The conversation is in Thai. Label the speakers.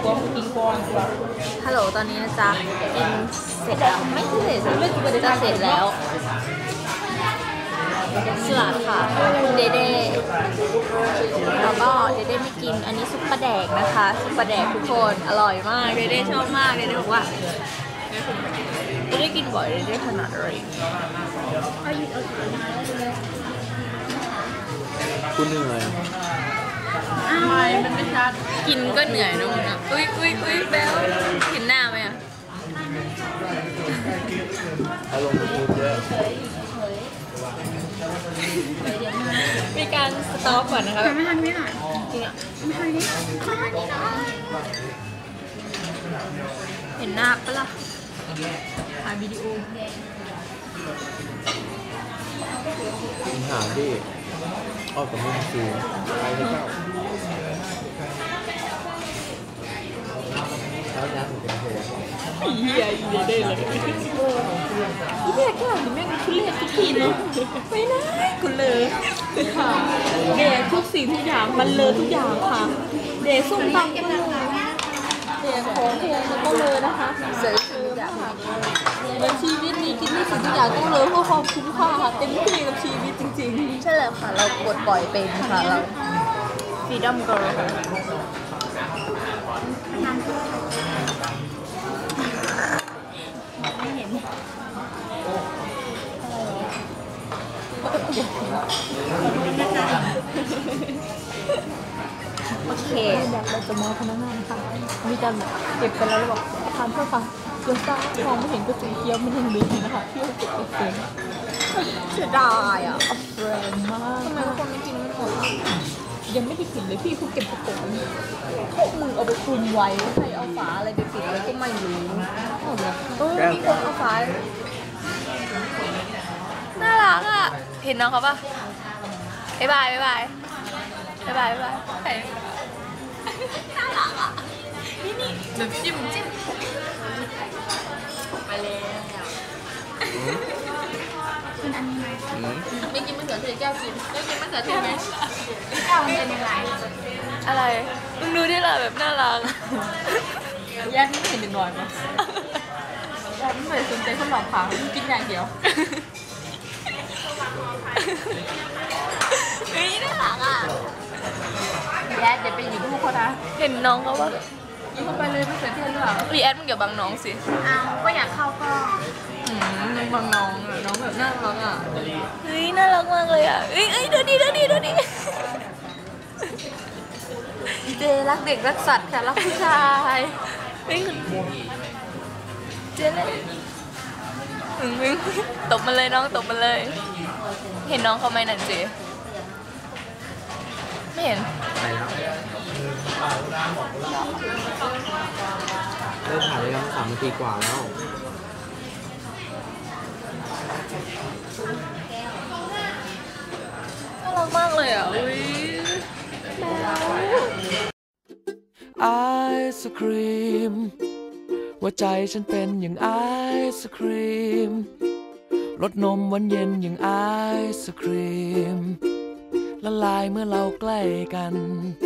Speaker 1: ฮัลโหลตอนนี้นะจ๊ะกินเสร็จแล้วไม่เสร็จจะเสร็จแล้วสลัดค่ะเดเด้แล้วก็เดเด้ไม่กินอันนี้ซุปปลาแดกนะคะซุปปลาแดกทุกคนอร่อยมากเดเด้ชอบมากเดเด้บอกว่าเดเด้กินบ่อยเดเด้ถนัดอะไร
Speaker 2: คุณเหนื่อย
Speaker 1: ไม่มันไม่ชัดกินก็เหนื่อยนะมึงอ่ะอุ้ยแบ๊วเห็นหน้าไหมอ่ะ
Speaker 2: อารมณ์พูดเยอะ
Speaker 1: มีการสต็อปก่อนนะคะ
Speaker 3: ไม่ทันไม่หน่อยจริงอ่ะไม่ทันนี่ขอนี่หน่อย
Speaker 1: เห็นหน้าปะล่ะถ่ายวิดีโอ
Speaker 2: หาที่ออกกับมึงสูงไปให้เจ้าแล้วน้ำถึงเป็นหัว
Speaker 1: เหี้ยได้เลยเหี้ยแค่นี้แม่งทุเรศทุกทีเนาะไม่ได้กูเลยค่ะเดย์ทุกสิ่งทุกอย่างมันเลยทุกอย่างค่ะเดย์ส้มตำก็เลยเดย์ของเพลงก็เลยนะคะเสริมทุกอย่างในชีวิตนี้กินทุกสิ่งทุกอย่างต้องเลยเพื่อความคุ้มค่าค่ะเต็มที่กับชีวิตจริงๆใช่แล้วค่ะเรากดปล่อยเป็นค่ะเราฟรีดอมเกิร์ลไม่เห็นโอเคเดี๋ยวเราจะมองพนักงานค่ะมีการเก็บไปแล้วเราบอกทานเพื่อค่ะเดี๋ยวซ่ามองไม่เห็นก็สีเขียวไม่เห็นเลยนะคะที่เราเก็บเองเสียดายอ่ะแรงมากทำไมคนไม่กินไม่หมดยังไม่ได้กินเลยพี่คุณเก็บกระปุกพวกมึงเอาไปคลุมไว้ใครเอาฝาอะไรไปปิดไว้ก็ไม่รู้มีคนเอาฝาน่ารักอ่ะเห็นน้องเขาปะบ๊ายบายน่ารักอ่ะนี่แบบจิ้มไปเลยไม่กินมะเขือเทศแก้วกินมะเขือเทศไหม
Speaker 3: แก้วมันเป็นยังไง
Speaker 1: อะไรมึงดูดิล่ะแบบน่ารักแยกไม่เห็นหน่อยมั้ยแยกไม่เคยสนใจคนหลอกขามึงกินอย่างเดียวเฮ้ยน่ารักอ่ะแยกเดี๋ยวไปหยิบลูกเขานะเห็นน้องเขาว่ายิงเข้าไปเลยมะเขือเทศหรือเปล่ารีแอดมึงอย่าบังน้องสิ
Speaker 3: อ้าวก็อยากเข้าก็
Speaker 1: ยังบังน้องอ่ะน้องแบบน่ารักอ่ะเฮ้ยน่ารักมากเลยอ่ะเอ้ยดูดิเจรักเด็กรักสัตว์ค่ะรักผู้ชายเฮ้ยเจเลยตบมาเลยน้องตบมาเลยเห็นน้องเขาไหมนั่นเจไม่เห็น
Speaker 2: ไปแล้วเริ่มถ่ายได้แล้ว3 นาทีกว่าแล้ว
Speaker 1: น่ารักมากเลยอ่ะอุ้ย
Speaker 4: ไอศครีมหัวใจฉันเป็นอย่างไอศครีมรสนมหวานเย็นอย่างไอศครีมละลายเมื่อเราใกล้กัน